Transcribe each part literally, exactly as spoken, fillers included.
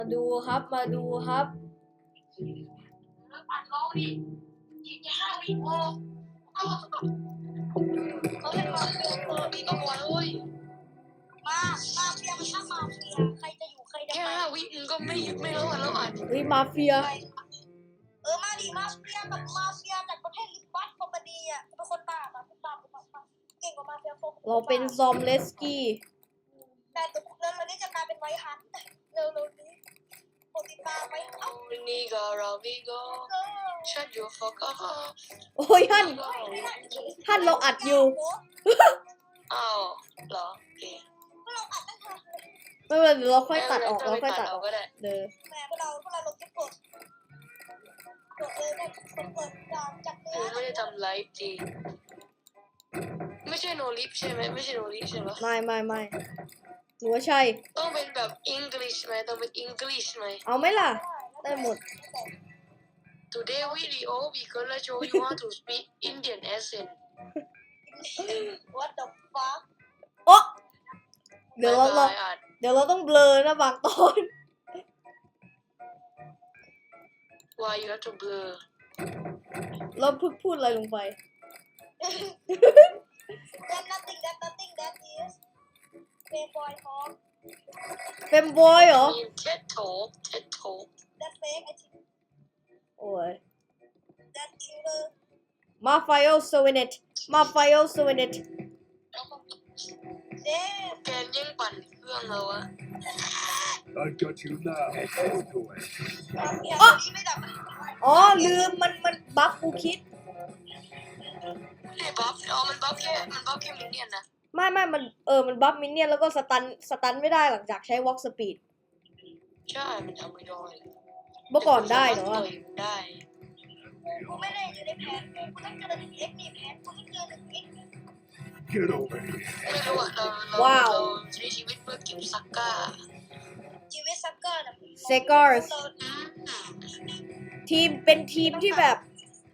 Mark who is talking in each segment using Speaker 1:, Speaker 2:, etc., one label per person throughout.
Speaker 1: มาดูครับมาดูครับ
Speaker 2: ปัดลองดิอีกแค่ห้าวิพอเขาเล่นมาเฟียตัวนี้ก็พอเลยมามาเฟียมันช่างมาเฟียใครจะอยู่ใครจะไปแค่ห้าวิมึงก็ไม่ไม่รอดแล้วอ่ะ
Speaker 1: เฮ้ยมาเฟีย
Speaker 2: เออมาดิมาเฟียกับมาเฟียจากประเทศลิบัสคอมพานีอ่ะเป็นคนบ้าปะเป็นบ้าเป็นบ้าเก่งกว่ามาเฟียโฟม
Speaker 1: เราเป็นซอมเลสกี้
Speaker 2: แต่ตัวเรื่องนี้จะกลายเป็นไวท์ฮันต์เร็วๆนี้โปรติตาไว้เอ้านี่ก็เราไม่ก็ฉันอยู่ฟอกก็
Speaker 1: โอ้ยท่านท่านเราอัดอยู่
Speaker 2: อ้าวเหรอโอเคเราอัดตั้งแต่
Speaker 1: ไม่เป็นไรเดี๋ยวเราค่อยตัดออกเราค่อยตัดออกเด้อ
Speaker 2: แม่พวกเราพวกเราลงคลิปกดกดเลยกดกดจากจากเนื้อไม่ได้ทำไลฟ์จริงไม่ใช่โนลิฟใช่ไหมไม่ใช่โนลิฟใช่ไหม
Speaker 1: ไม่ไม่ไม่หนูว่าใช่
Speaker 2: ต้องเป็นแบบอังกฤษไหมต้องเป็นอังกฤษไหม
Speaker 1: เอาไหมล่ะได้หมด
Speaker 2: Today video we gonna show you how to speak Indian accent What the fuck
Speaker 1: โอ๊ะเดี๋ยวเราเราเดี๋ยวเราต้องเบลอนะบางตอน
Speaker 2: Why you have to blur
Speaker 1: เราเพิ่งพูดอะไรลงไป
Speaker 2: That nothing that nothing that is Playboy talk
Speaker 1: เป็นบอยเหรอ
Speaker 2: TED talk TED talk That fake I think
Speaker 1: โอ้ย
Speaker 2: That killer
Speaker 1: มาไฟโอโซเวเนตมาไฟโอโซเวเนต
Speaker 2: เจ๊แกยิ่งปั่นเครื่องเราอะ
Speaker 3: I got you now. Go away.
Speaker 1: อ๋ออ๋อลืมมันมันบัฟกูคิด
Speaker 2: ไม่บัฟอ๋อมันบัฟแค่มันบัฟแค่มินเนี่ยนนะ
Speaker 1: ไม่ไม่มันเออมันบัฟมินเนี่ยนแล้วก็สตันสตันไม่ได้หลังจากใช้วอล์กสปีด
Speaker 2: ใช่มันทำไม่ได้
Speaker 1: เมื่อก่อนได้เนาะ
Speaker 2: ได้กูไม่ได้อยู่ในแผนกูต้องเจอหนึ่งเอ็กซ์มีแผนกูต้องเจอหนึ่งเอ็กซ์
Speaker 3: Get over here.
Speaker 2: ไม่รู้อะเราเราเราใช้ชีวิตเพื่อเก็บซักก้าชีวิตซักก้าน่ะ
Speaker 1: เซกอร์สทีมเป็นทีมที่แบบ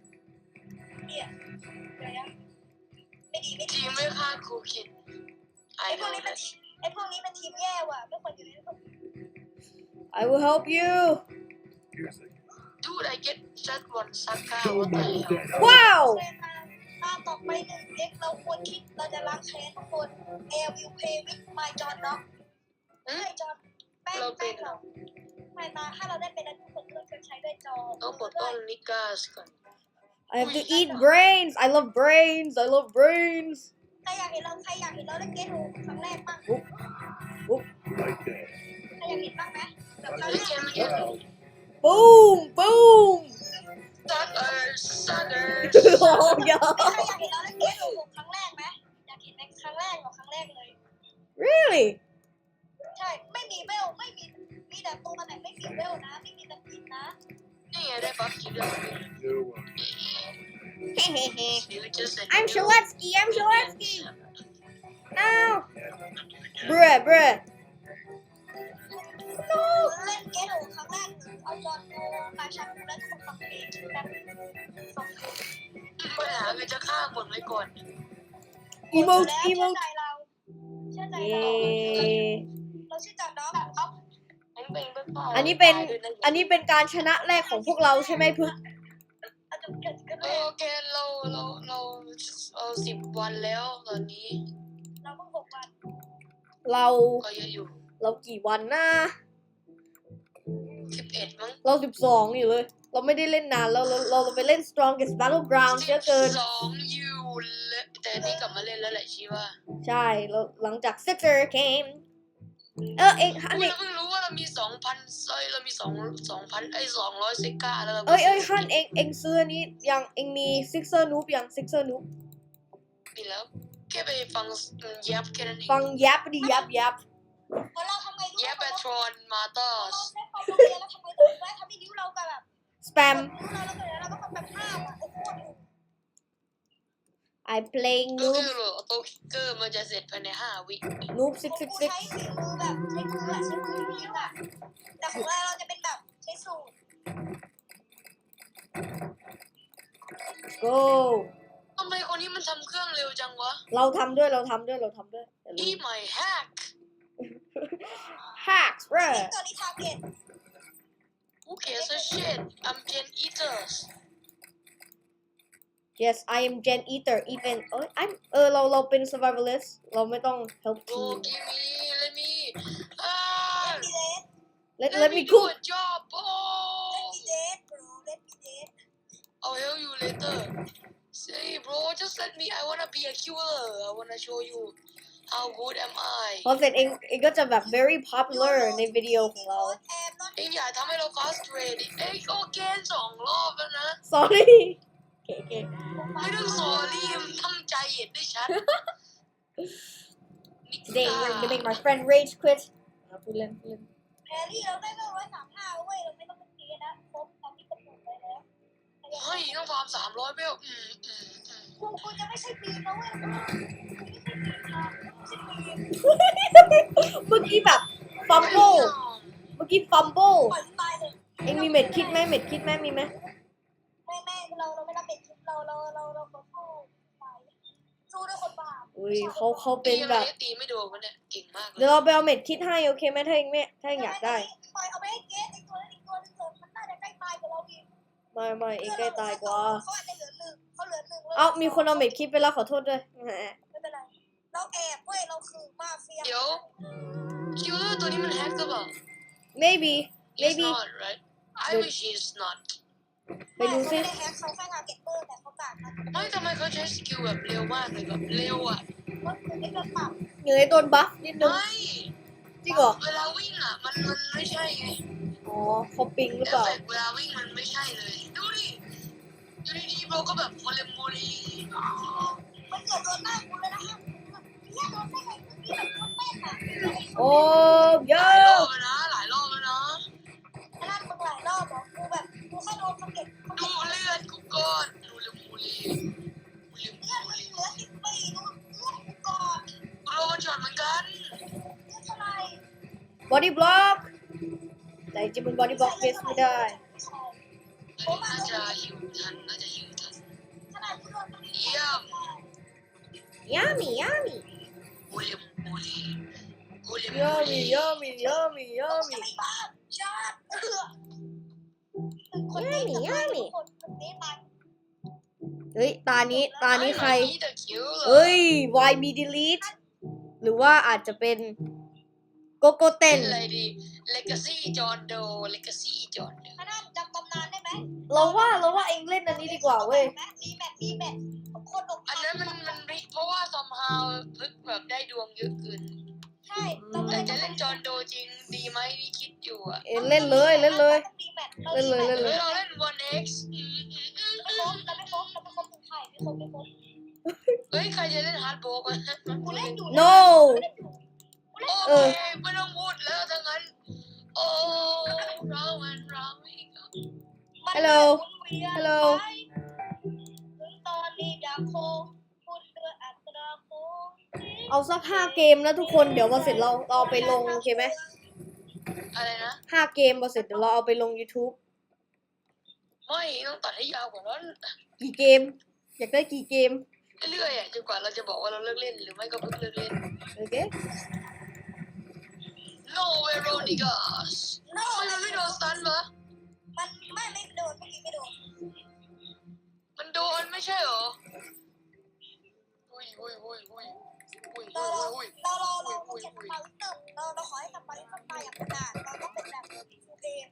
Speaker 2: ไม่ดีไม่ดีทีมไม่ฆ่าครูคิดไอ้พวกนี้เป็นไอ้พวกนี้เป็นทีมแย่ว่ะไม่ควรอยู่ในพวก
Speaker 1: I will help you
Speaker 2: Dude I get just one ซักก้า
Speaker 1: ว้าว
Speaker 2: ถ้าต่อไปหนึ่งเด็กเราควรคิดเราจะล้างแค้นทุกคน Air will play with my John เนาะเฮ้ยจอนแป้งแป้งเราไม่มาถ้าเราได้เป็นทุกคนเราจะใช้ด้วยจอต้องปลดป้องนิกาสก่อน
Speaker 1: I have to eat brains I love brains I love brains
Speaker 2: ใครอยากเห็นเราใครอยากเห็นเราได้เกตโฮครั้งแรกบ้าง
Speaker 1: ปุ๊บ
Speaker 3: Right there.
Speaker 2: ใครอยากเห็นบ้างไหมแบบครั้งแรก
Speaker 1: บูมบูม
Speaker 2: Suckers Suckers
Speaker 1: โอ้ยอ
Speaker 2: ใครอยากเห็นเราได้เกตโฮครั้งแรกไหมอยากเห็นในครั้งแรกหรอครั้งแรกเลย
Speaker 1: Really
Speaker 2: ใช่ไม่มีเวลไม่มีมีแต่ตัวแต่ไม่มีเวลนะไม่มีแต่กินนะนี่ไงได้บัฟกินเลย
Speaker 3: No one.
Speaker 1: I'm Shaletsky I'm Shaletsky No Bruh bruh
Speaker 2: No เล่นเกมครั้งแรกเอาจอนโมมาชักแล้วคนฟังเพลงกันสองเพลงปัญหาคือจะฆ่าคนไว้ก่อน
Speaker 1: Emote Emote
Speaker 2: เชื่อใจเราเชื่อใจเราเราเชื่อใจน้องครับ
Speaker 1: อันนี้เป็นอันนี้เป็นการชนะแรกของพวกเราใช่ไหมพึก
Speaker 2: โอเคเราเราเราเอาสิบวันแล้วตอนนี้เราเพิ่งหกวัน
Speaker 1: เรา
Speaker 2: ก็เยอะอยู่
Speaker 1: เรากี่วันนะ
Speaker 2: สิบเอ็ดมั้ง
Speaker 1: เราสิบสองอยู่เลยเราไม่ได้เล่นนานแล้วเราเราไปเล่น strongest battleground เยอะเกิน
Speaker 2: สองอยู่แต่นี่กลับมาเล่นแล้วแหละชีว่า
Speaker 1: ใช่แล้วหลังจาก Sister came เออเอ็งฮันเอ็ง
Speaker 2: เพิ่งรู้ว่าเรามีสองพันเอ้ยเรามีสองสองพันไอ้สองร้อยเซก้าแล้วเรา
Speaker 1: เอ้ยเอ้ยฮันเอ็งเอ็งซื้อนี้ยังเอ็งมี Sixer Noob ยัง Sixer Noob
Speaker 2: มีแล้วแค่ไปฟังยับแค่นั้นเอง
Speaker 1: ฟังยับดิยับยับ
Speaker 2: ยับแบทรอนมาเตอร์สแล้วทำไมถึงได้ทำให้นิ้วเราแบบ
Speaker 1: spam
Speaker 2: เราเราเราเราต้องแบบห้ามอ่ะโอ้โห
Speaker 1: I playing
Speaker 2: ก็
Speaker 1: Noob
Speaker 2: คือโอโต้คิกเกอร์มันจะเสร็จภายในห้าวิ
Speaker 1: Noob ซิกซิกซิก
Speaker 2: ใช้ฝีมือแบบใช้มืออะใช้มือยิงอะแต่ของเราเราจะเป็นแบบใช้สูตร
Speaker 1: go
Speaker 2: ทำไมคนนี้มันทำเครื่องเร็วจังวะ
Speaker 1: เราทำด้วยเราทำด้วยเราทำด้วย
Speaker 2: Eat my hack
Speaker 1: hacks bro
Speaker 2: ตัวนี้ทาร์เก็ต
Speaker 4: Okay, so shit. I'm Gen Eaters.
Speaker 1: Yes I am Gen Eater even เอ้ย I'm เออเราเราเป็น survivalist เราไม่ต้อง help
Speaker 4: Bro,
Speaker 1: team
Speaker 4: give me, let me. Ah,
Speaker 2: เล่น
Speaker 1: let
Speaker 2: ดี
Speaker 1: let
Speaker 4: let
Speaker 1: me
Speaker 4: me do
Speaker 1: cook
Speaker 4: a job.
Speaker 2: เล่น
Speaker 4: Oh,
Speaker 2: ดีเดทบรเล่นดีเดท
Speaker 4: I'll help you later. Say, bro, just let me. I wanna be a killer. I wanna show you how good am I.
Speaker 1: พอเสร็จเองเองก็จะแบบ very popular ในวิดีโอของเรา
Speaker 2: แอบนอน
Speaker 4: เอ็งอย่าทำให้เรา frustrate ดิเอ็งก็เกณฑ์สองรอบแล้วนะ
Speaker 1: sorry โอเคโอเค
Speaker 4: ไม่ต้องสอรี่มันตั้งใจเห็นได้ชัด
Speaker 1: today we're gonna make my friend rage quit อ่ะพูดเล่นพูดเล่น
Speaker 2: แพรรี่เราได้ก็ร้อยสามห้าเว้ยเราไม่ต้องเป็นเกย์นะครบตามที่กำหนดไว้แล้ว
Speaker 4: เฮ้ยต้องฟาร์มสามร้อยเบลอืมอืมอืม
Speaker 2: คุณคุณจะไม่ใช่ปีนนะเว้ยคุณไม่ใช่ปีนนะไม่ใช่ปีน
Speaker 1: เมื่อกี้แบบ fumble เมื่อกี้ fumble
Speaker 2: ปล่อยตายเลย
Speaker 1: เองมีเม็ดคิดไหมเม็ดคิดไหมมีไหม
Speaker 2: ไม่ไม่เราเราไม่รับเป็นเราเราเราเราเราเข้าไปสู้ด้วยคนบาป
Speaker 1: อุ้ยเขาเขา
Speaker 4: ตี
Speaker 1: เป็น
Speaker 4: อะ
Speaker 1: แบ
Speaker 4: ไร
Speaker 1: บ
Speaker 4: ตีไม่โดนมันเนี่ยเก่งมากเล
Speaker 1: เดี๋ยวย เราไปเอาเม็ดคิดให้โอเคไหมถ้าเองไม่ถ้าเองอยากได้
Speaker 2: ปล่อยเอาไปให้เกสอีกตัวนึงอีกตัวนึงเถอะมันน่าจะใกล้ตายกว่าเราอีก
Speaker 1: ไม่ไม่เองใกล้ตายกว่า
Speaker 2: เขาอาจจะเหลือหนึ่งเขาเหลือหนึ่ง
Speaker 1: เอ้ามีคนเอาเม็ดคิดไปแล้วขอโทษด้วยแหม
Speaker 2: ไม่เป็นไรเราแอบเว้ยเราคือมาเฟีย
Speaker 4: เดี๋ยวคิวเลอร์ตัวนี้มันแฮกหรือเปล่า
Speaker 1: maybe
Speaker 4: It's
Speaker 1: maybe
Speaker 4: not right I wish it's not
Speaker 1: ไปดูซิ
Speaker 2: ไม่ได้แฮกเขาแค่ทาร์เก็ตเตอร์แต่เขากาดนะ
Speaker 4: ไม่ทำไมเขาใช้สกิลแบบเร็วมากเลยแบบเร็วอ่ะ
Speaker 2: ก็คือไม่โดนปรับ
Speaker 1: อยู่ในโดนบัฟนิดนึง
Speaker 4: ไม่
Speaker 1: จริงเหรอ
Speaker 4: เวลาวิ่งอ่ะมันมันไม่ใช่ไง
Speaker 1: อ๋อเขาปิงหรือ
Speaker 4: เอ
Speaker 1: เป
Speaker 4: ฟ
Speaker 1: ล่า
Speaker 4: เฟกต์เวลาวิ่งมันไม่ใช่เลยดูดิอยู่ดีๆโบก็แบบโมเลมโมลี
Speaker 2: มันเกิดโดนหน้ากูเลยนะฮะเนี่ยโดนได้ไงนี่แบบโคตรแม่นอ่ะ
Speaker 1: โอ้เย
Speaker 4: ห
Speaker 1: อ
Speaker 4: ลายรอบ
Speaker 1: ะ
Speaker 4: แล้วนะหลายรอบแล้วนะ
Speaker 2: ขนาดมึงหลายรอบบอกกูแบบกูแค่โดนสะเก็ดเขา
Speaker 4: ดูเลือดกูก่อนโมเลมโมลีโมเลม
Speaker 2: เลือด
Speaker 4: โม
Speaker 2: มัน
Speaker 4: ลี
Speaker 2: เหลือสิบปีดูเลือดกูก่อน
Speaker 4: กูโดนมันช็อตเหมือนกัน
Speaker 2: เลือดเท่าไหร่
Speaker 1: บอดี้บล็อกแต่จริงๆมันบอดี้บล็อกเฟสไม่ได้
Speaker 4: น่าจะหิวทันน่าจะหิวทัน
Speaker 2: ขนาดกูโดน
Speaker 4: เยี่ยม
Speaker 1: ยามียามี
Speaker 4: โมเลมโมลีโมเลม
Speaker 1: ยา
Speaker 4: โม
Speaker 1: มี
Speaker 4: ลี
Speaker 1: ยามียามียา
Speaker 2: จะ
Speaker 1: มี
Speaker 2: ไม่บ้าชาติคนนี้จะตายทุกคนคนนี้ตาย
Speaker 1: เฮ้ยตานี้ตานี้ใคร
Speaker 4: ไม่แต่คิวเหรอ
Speaker 1: เฮ้ย why be delete หรือว่าอาจจะเป็นโกโกเต้
Speaker 4: เป็น นอะไรดี Legacy จอร์โด Legacy จอร์โด
Speaker 2: ขนาดจำตำนานได้ไหม
Speaker 1: เราว่าเราว่าเองเล่นอันนี้ดีกว่าเว้ย
Speaker 2: รีแมทรีแมทคนอก
Speaker 4: อันนั้นมันมันริเพราะว่า somehow พึกแบบได้ดวงเยอะเกิน
Speaker 2: ใช่เรา
Speaker 4: แต่จะเล่นจอร์โดจริงดีไหมที่คิดอยู่อะ
Speaker 1: เอ้ยเล่นเลยเล่นเลย
Speaker 2: เล่นเลย
Speaker 1: เล่นเลย
Speaker 4: เฮ้ยเราเล่น วัน เอ็กซ์ อืมอืมอืม
Speaker 2: ไม่ครบเราไม่ครบเราไม่ครบถึงไข่ไม่ครบไม่ครบ
Speaker 4: เฮ้ย ใครจะเล่นฮาร์ดโบก
Speaker 2: กูเล่นอยู่
Speaker 1: no
Speaker 4: โอเคไม่ต้องพูดแล้วทั้งนั้น โอ้เรามันเราอีก
Speaker 1: Hello Hello
Speaker 2: ตอนนี้ดาโคพูดเรืออัตราโค
Speaker 1: เอาสักห้าเกมแล้วทุกคนเดี๋ยวพอเสร็จเราเราเอาไปลงโอเคไหม
Speaker 4: อะไรนะ
Speaker 1: ห้าเกมพอเสร็จเดี๋ยวเราเอาไปลง YouTube
Speaker 4: ไม่ต้องตัดให้ยาวกว่านั้น
Speaker 1: กี่เกม อยากได้กี่เกม
Speaker 4: เรื่อยๆอ่ะจนกว่าเราจะบอกว่าเราเลิกเล่นหรือไม่ก็เพิ่งเลิกเล่น
Speaker 1: โอเค
Speaker 4: No Veronicas
Speaker 2: โน่
Speaker 4: ทำไมมันไม่โดนสตันวะ
Speaker 2: มันไม่ไม่โดนเมื่อกี้ไม่โดน
Speaker 4: มันโดนไม่ใช่เหรออุ้ยอุ้ยอุ้ยอุ้ยอุ้ย
Speaker 2: เรา
Speaker 4: อุ้ย
Speaker 2: เรา
Speaker 4: อุ้ย
Speaker 2: เราเราเราเช็คความตึงเราเราขอให้ทำไปทำไปอย่างขนาดเราต้องเป็นแบบฟูเกม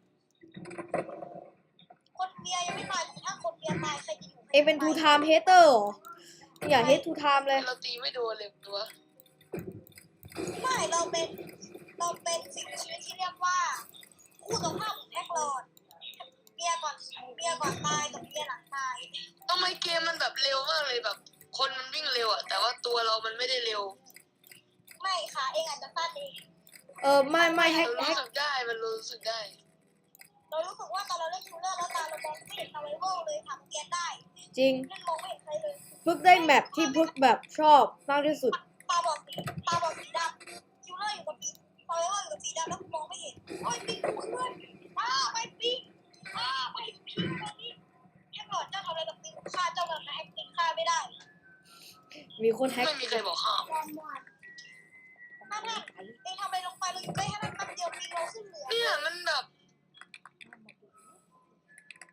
Speaker 2: คนเมียยังไม่ตายถ้าคนเมียตายใครจะอยู่
Speaker 1: เองเป็น two time hater เหรออย่า hate two time เลย
Speaker 4: เราตีไม่โดนเลยตัว
Speaker 2: ไม่เราเป็นเราเป็นสิ่งมีชีวิตที่เรียกว่าคู่ตรงข้ามของแท็กลอดเมียก่อนเมียก่อนตายกับเมียหลังตาย
Speaker 4: ทำไมเกมมันแบบเร็วมากเลยแบบ คนมันวิ่งเร็วอ่ะแต่ว่าตัวเรามันไม่ได้เร็ว
Speaker 2: ไม่ค่ะเองอาจจะพลาดเอง
Speaker 1: เออไม่ไม่แฮ
Speaker 4: เรา
Speaker 1: กแฮ
Speaker 4: รู้
Speaker 1: ก
Speaker 4: สึกได้มันรู้สึกได้
Speaker 2: เรารู้สึกว่าตอนเราเล่นชูเลอร์แล้วตาเรามองไม่เห็นซาไวเวอร์เลยทำแกนได้
Speaker 1: จริง
Speaker 2: เล่นมองไม่เห็นใครเลย
Speaker 1: พึกได้แมปที่พึกแบบชอบมากที่สุด
Speaker 2: ตาบอดสีตาบอดสีดำชูเลอร์อยู่กับปีซาไวเวอร์อยู่กับสีดำแล้วมองไม่เห็นโอ้ยปีกูเพื่อนอ้าไปปีอ้าไปปีตอนนี้แท็กลอดเจ้าทำอะไรกับปีฆ่าเจ้าแบบนะแอคติ้งฆ่าไม่ได้
Speaker 1: มีคนแฮก
Speaker 4: ไม่มีใครบอกห้าม
Speaker 2: ถ้าท่านเองทำอะไรลงไปเราอยู่ใกล้ให้มันแป๊บเดียวปีเราขึ้นเหนือ
Speaker 4: เนี่ยมันแบบ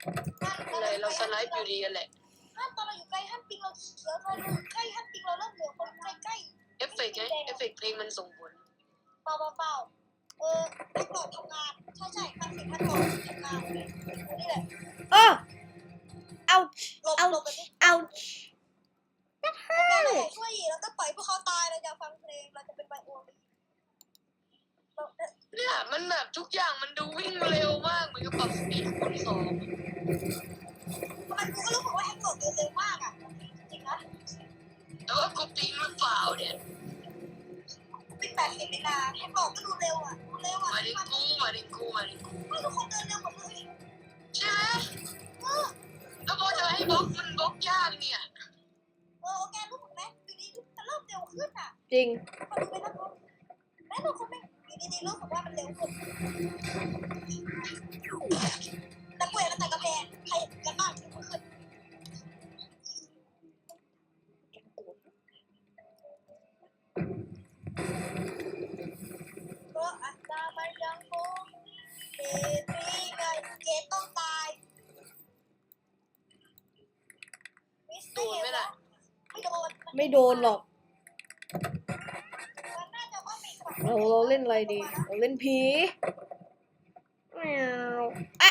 Speaker 4: อะไรเราสไลด์อยู่ดีกันแหละ
Speaker 2: ห้ามตอนเราอยู่ใกล้ห้ามปิงเราเขียวเราใกล้ห้ามปิงเราเริ่มเหลืองคนใกล้ใกล้
Speaker 4: เอฟเฟกต์ไงเอฟเฟกต์เพลงมันส่งผล
Speaker 2: เปล่าเปล่าเปล่าเออแพ็กหลอดทำงานใช่ใช่มันเป็นแพ็กหลอดทำงานนี่แหละ
Speaker 1: เออ ouch
Speaker 2: หลบหลบแบบนี้
Speaker 1: ouch that
Speaker 2: แม่เรา
Speaker 1: hurt
Speaker 2: ช่วยอีกแล้วก็ปล่อยพวกเขาตายเราจะฟังเพลงเราจะเป็นไบโอลีเรา
Speaker 4: เนี่ยมันแบบทุกอย่างมันดูวิ่งเร็วมากเหมือนกับปรับสปีดคูณสอง
Speaker 2: มันกูก็รู้สึกว่าแพ็กหลอดเร็วมากอ่ะจริงๆนะ
Speaker 4: แต่ว่ากูปิงหรือเปล่าเนี่ย
Speaker 2: ปิงแปดสิบเวลาแพ็กหลอดก็ดูเร็วอ่ะดูเร็วอ่ะ
Speaker 4: มาดิกูมาดิกูมาดิกู
Speaker 2: ไม่ทุกคนเดินเร็วหมดเลย
Speaker 4: ใช่ไหม
Speaker 2: เออ
Speaker 4: แล้วพอจะให้บล็อกมันบล็อกยากเนี่ย
Speaker 2: เออแกรู้ไหมอยู่ดีมันเริ่มเร็วขึ้นอ่ะ
Speaker 1: จริง
Speaker 2: มาดูไปแล้วก็แม่เราคนไม่อยู่ดีๆรู้สึกว่ามันเร็วขึ้นแต่ป่วยแล้วแต่กระแพงใครกันบ้างที่มันขึ้นก็อัตรามันยังคงเกตีไงเกต้องตาย
Speaker 4: โดนไหมล่ะ
Speaker 2: ไม่โดน
Speaker 1: ไม่โดนหรอก
Speaker 2: มันน่าจะว่ามีกระ
Speaker 1: เราเราเล่นอะไรดี เราเล่นผีแมวอ่ะ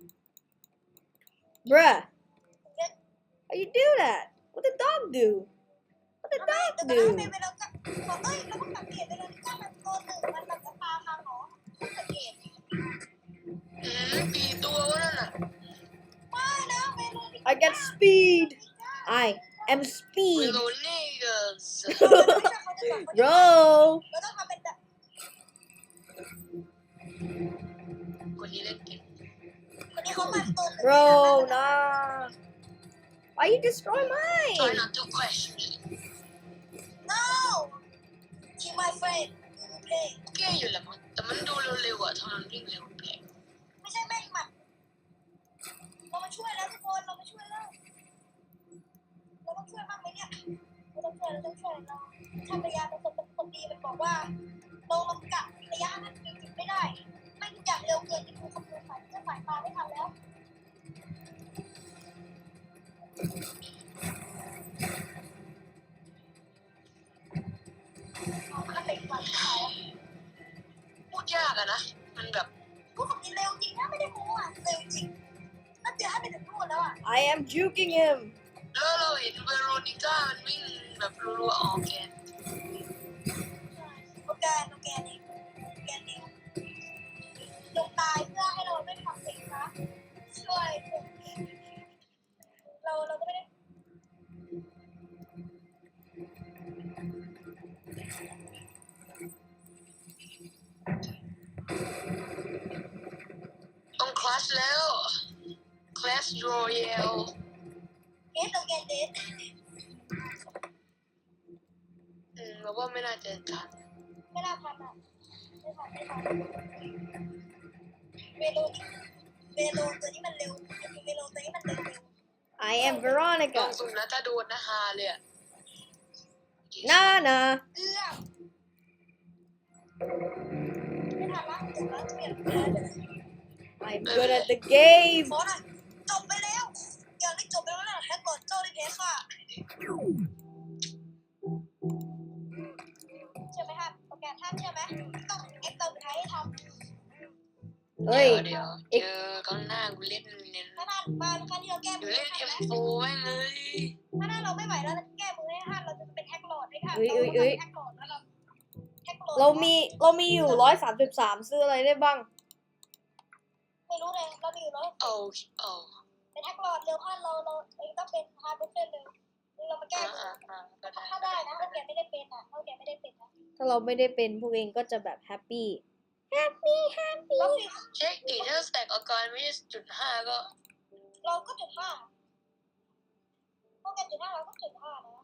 Speaker 1: bruh how you do that what the dog do what the
Speaker 2: ทำไม
Speaker 1: dog
Speaker 2: แต่ก็
Speaker 1: do
Speaker 2: ไม่เป็นเราก็บอกเอ้ยเราก็สังเกตไปเลยว่ามันตัวหนึ่งมันแบบตาทางหรอสังเกต
Speaker 4: อืมกี่ตัววะนั่นน่ะ
Speaker 2: ไม่นะเมโลดี้
Speaker 1: I got speed I am
Speaker 4: วิ
Speaker 1: speed
Speaker 4: โลนี่เกอร์ส
Speaker 1: bro
Speaker 2: เราต้องทำเป็นแบบ
Speaker 4: คนนี้เล่นเก่ง
Speaker 2: คนนี้เขามาตัวหนึ่ง
Speaker 1: bro nah why you destroy
Speaker 4: try
Speaker 1: mine
Speaker 4: not to question
Speaker 2: no she my friend you play
Speaker 4: แก้อยู่แหละมั้งแต่มันดูเร็วๆอ่ะทำไมมันวิ่งเร็วแปลก
Speaker 2: ไม่ใช่แม่งหมัดเรามาช่วยแล้วทุกคนเรามาช่วยแล้วเราต้องช่วยมากไหมเนี่ยเราต้องช่วยเราต้องช่วยเราถ้าพยายามเป็นคนเป็นคนดีมันบอกว่าเราลำกัดระยะนั้นจริงๆไม่ได้ไม่ทุกอย่างเร็วเกินที่คุณคำนวณสายเส้นสายตาไม่ทันแล้วถ้าเป็นฝันเขา
Speaker 4: พูดยากอะนะมันแบบ
Speaker 2: พวกนี้เร็วจริงนะไม่ได้โม้อ่ะเร็วจริงน่าจะให้ไปถึงนู่นแล้วอ่ะ
Speaker 1: I am juking him
Speaker 4: แล้วเราเห็นเวโรนิก้ามันวิ่งแบบรัวๆออกแกน
Speaker 2: โอแกนโอแกนเองโอแกนเองลงตายเพื่อให้เราไม่ทำเองนะช่วยเราเราก็ไม่ได้
Speaker 4: ต้องคลาสแล้วคลาสรอยัล
Speaker 2: เอสโอแกนเดส
Speaker 4: อืมเราว่าไม่น่าจะทัน
Speaker 2: ไม่น่าทันอ่ะไม่ทันไม่ทันเวโลเวโลตัวนี้มันเร็วเวโลตัวนี้มันเร็ว
Speaker 1: I am
Speaker 4: ลอง
Speaker 1: Veronica
Speaker 4: สุ่มนะถ้าโดนนะฮาเลยอะ
Speaker 1: nah nah
Speaker 2: เอื้อมไม่ทันละจบแล้วเปลี่ยนแปลง
Speaker 1: I'm good at the game
Speaker 2: ขอหน่อยจบไปแล้วอย่างนี้จบไปแล้วนะแฮกกดเจ้าได้เพค่ะเชื่อไหมครับโอเคท่านเชื่อไหมต้องเอ็กซ์เติมไทยให้ทำ
Speaker 1: เฮ้ย
Speaker 4: เดี๋ยวเดี๋ยวเจอข้างหน้ากูเล่นเนี่ย
Speaker 2: ถ้าท่านมาครั้งที่เราแก้
Speaker 4: เดี๋
Speaker 2: มื
Speaker 4: ยว
Speaker 2: อ
Speaker 4: เล่น
Speaker 2: ให้
Speaker 4: เอ็ม
Speaker 2: ท่าน
Speaker 4: โฟแม่งเลย
Speaker 2: ถ้าท่านเราไม่ไหวแล้วแก้มือให้ท่านเราจะเป็นแฮกโหลดให้ท่าน
Speaker 1: เอ้ย
Speaker 2: เรา
Speaker 1: เอ้ยเอ้ย
Speaker 2: แฮกโหลดแล้วเราแฮกโหลด
Speaker 1: เรามีเรามีอยู่ร้อยสามสิบสามซื้ออะไรได้บ้าง
Speaker 2: ไม่รู้เลยเรามีอยู่แล้ว
Speaker 4: โอ้โอ้
Speaker 2: เป็นแฮกโหลดเร็วท่านเราเราเองต้องเป็นฮาร์ดเบอร์เร็วเรามาแก้
Speaker 4: อ่าอ่าอ่าก็ได้
Speaker 2: ถ้าได้นะถ้าแกไม่ได้เป็นอ่ะถ้าแกไม่ได้เป็นนะ
Speaker 1: ถ้าเราไม่ได้เป็นพวกเองก็จะแบบแฮปปี้แฮปปี้แฮปปี้
Speaker 2: เราสิ
Speaker 4: เช็คดิถ้าสแต็กอาการไม่ใช่จุดห้าก็
Speaker 2: เราก็จุดห้าพวกแกจุดห้าเราก็จุดห้านะ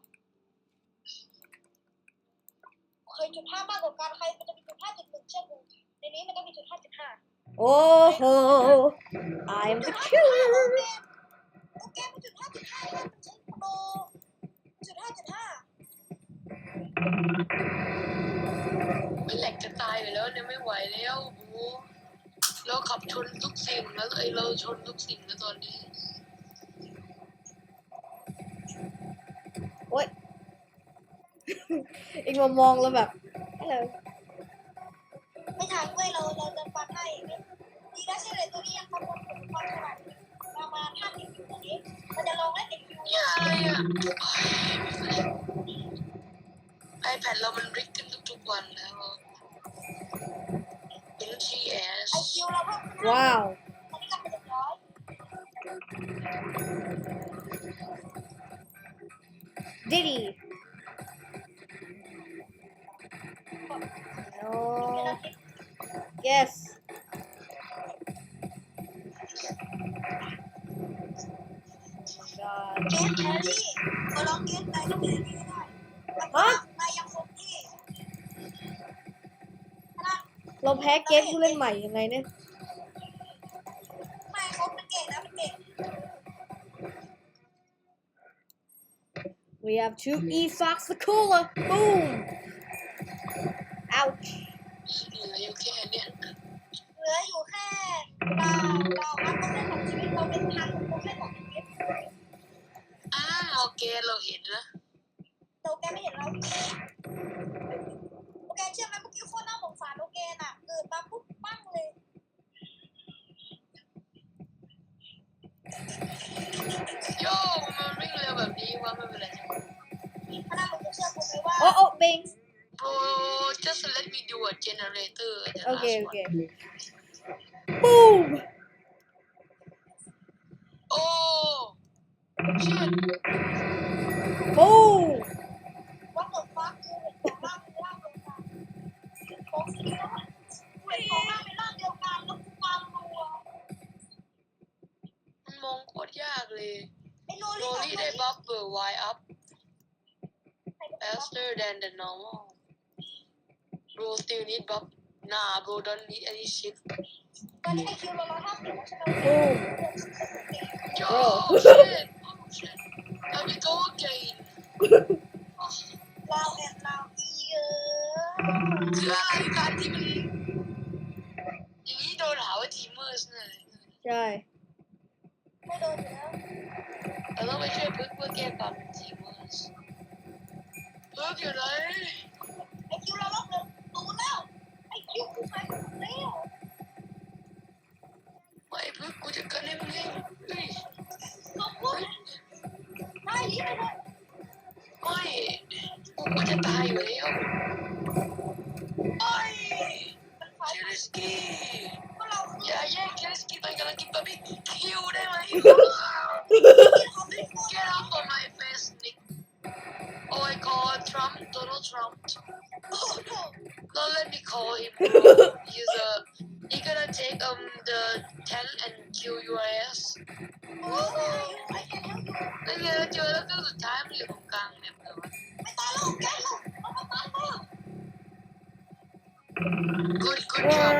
Speaker 2: เคยจุดห้ามากกว่าการใครมันจะมีจุดห้าจุดหนึ่งเช่นกันในนี้มันต้องมีจุดห้าจุดห้า
Speaker 1: โอ้โห I'm
Speaker 2: จุ
Speaker 1: the
Speaker 2: ดห้า
Speaker 1: killer
Speaker 2: โอเคมันจุดห้าจุดห้าแล้วมันใช้โปรจุดห้าจุดห้า
Speaker 4: มันแหลกจะตายอยู่แล้วเนี่ยไม่ไหวแล้วบูรเราขับชนทุกสิ่งแล้วไอเราชนทุกสิ่งแล้วตอนนี้
Speaker 1: โอ๊ย อีกมามองแล้วแบบฮัลโหล
Speaker 2: ไม่ทันเว้ยเราเราจะฟันให้ดีนะใช่เลยตัวนี้ยังทำคนความฉลาดประมาณห้าสิบตัวนี้มันจะลองเล่นเด็กคิว
Speaker 4: เนี่ยอะไรอ่ะไอแพดเรามันริกขึ้นทุกๆวันแล้วเป็น จี เอส
Speaker 2: ไอคิวเราเพิ่มขึ้น
Speaker 1: ว้าว
Speaker 2: ตอนนี้กลับไปเจ็ดร้อย
Speaker 1: Diddy no yes God
Speaker 2: เกมแครี่ขอลองเกมไหนก็แครี่ได้แล้วก็
Speaker 1: ฮะ
Speaker 2: นายยังคงที่นะ
Speaker 1: เราแพ้เกมผู้เล่นใหม่ยังไงเนี่ย
Speaker 2: ไม่เขาเป็นเก่งนะเป็นเก่ง
Speaker 1: We have two E Fox the cooler boom ouch
Speaker 4: เหลืออยู่แค่เนี้ย
Speaker 2: เหลืออยู่แค่เราเราอัพโปรเฟสของชีวิตเราเป็นพันโปรเฟสของชีวิต
Speaker 4: อ้าวโอเคเราเห็นนะ
Speaker 2: แต่โอเคไม่เห็นเราโอเคเชื่อไหมเมื่อกี้โคตรน่าสงสารโอเคน่ะเกิดมาปุ๊บปั้งเลย
Speaker 4: โย่มันวิ่งเร็วแบบนี้ว่าไม่เป็นไร
Speaker 2: ถ้าน่ามึงจะเชื่อกูไหมว่า
Speaker 1: oh oh bing
Speaker 4: bro just let me do a generator the
Speaker 1: okay
Speaker 4: last
Speaker 1: okay
Speaker 4: one
Speaker 1: boom
Speaker 4: oh shit
Speaker 1: boom
Speaker 2: ว่าเกิดฟ้าคือเห็นของร่างเป็นร่างเดียวกันของสีแล้วอ่ะเห็นของร่างเป็นร่างเดียวกันแล้วกูความรัว
Speaker 4: มันมองโคตรยากเลย
Speaker 2: ไอ้โน
Speaker 4: โร
Speaker 2: ลี่
Speaker 4: ลี่ได้บัฟเบอร์ Y up faster than the normal bro still need buff nah bro don't need any shit
Speaker 2: ตอนนี้ไอคิวเราร้อยห้าสิบแล้วใช่ไหม
Speaker 1: boom
Speaker 4: yo
Speaker 1: Bro.
Speaker 4: shit oh shit let me go again
Speaker 2: เราแอบเราอีเออ
Speaker 4: คืออะไรการที่มันอย่างนี้โดนหาว่าทีมเมอร์สเนี่ย
Speaker 1: ใช่
Speaker 2: ไม่โดนอยู่แล้ว
Speaker 4: เราต้องไปช่วยพึ่งเพื่อแก้ความเป็นทีมเมอร์สพึ่งอยู่ไหน
Speaker 2: ไอคิวเราลบเลยตูแล้วไอคิวกูไปหมดแล้ว
Speaker 4: ไม่พึ่งกูจะกันให้มึงเองเฮ้ย
Speaker 2: ขอบคุณได้รีบไปเลย
Speaker 4: ไม่กูก็จะตายอยู่แล้วไม่เคลิสกี้
Speaker 2: ก็เรา
Speaker 4: อย่าแย่งเคลิสกี้ตอนกำลังกินบะหมี่คิวได้ไหม Get off of my face Nick Oh I call Trump Donald Trump Don't let me call him bro. He's a he gonna take um the tank and kill your ass
Speaker 2: โอ้ยไอแกเลี้ยงอยู่
Speaker 4: นั่นไงเราเจอแล้วก็สุดท้ายมันอยู่ตรงกลางเนี่ยเลยวะ
Speaker 2: ไม่ตายแล้วแกแล้วเอามาตายมา
Speaker 4: Good good job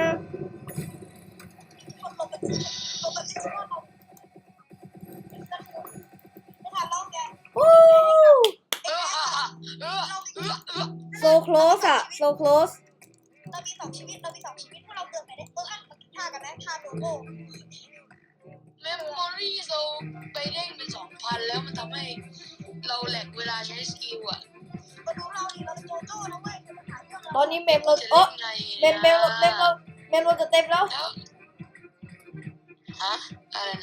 Speaker 2: คนลงไปลงไปที่ช่วงเราไม่ทันแล้วแก
Speaker 1: Woo!
Speaker 4: เออเออเออเออ
Speaker 1: so close อะ so close
Speaker 2: เรามีสองชีวิตเรามีสองชีวิตพวกเราเกิดไปได้เอออ่ะมาท่ากันไหมท่าโลโก้
Speaker 4: เมมโมรี่เราไปเร่งเป็นสองพันแล้วมันทำให้เราแหลกเวลาใช้สกิลอะ
Speaker 2: มาดูเราดิเราเป็นโจโจ้นะเว้ยเป็นปัญหาเรื่อง
Speaker 1: ต
Speaker 2: เรา
Speaker 1: อนนี้เมมเรา
Speaker 4: จะ
Speaker 1: โอ้
Speaker 4: เล่นไง
Speaker 1: เมมเมมเมมเราเมมเราจะเต็มแล้ว
Speaker 4: แล้วฮะอะไรนะ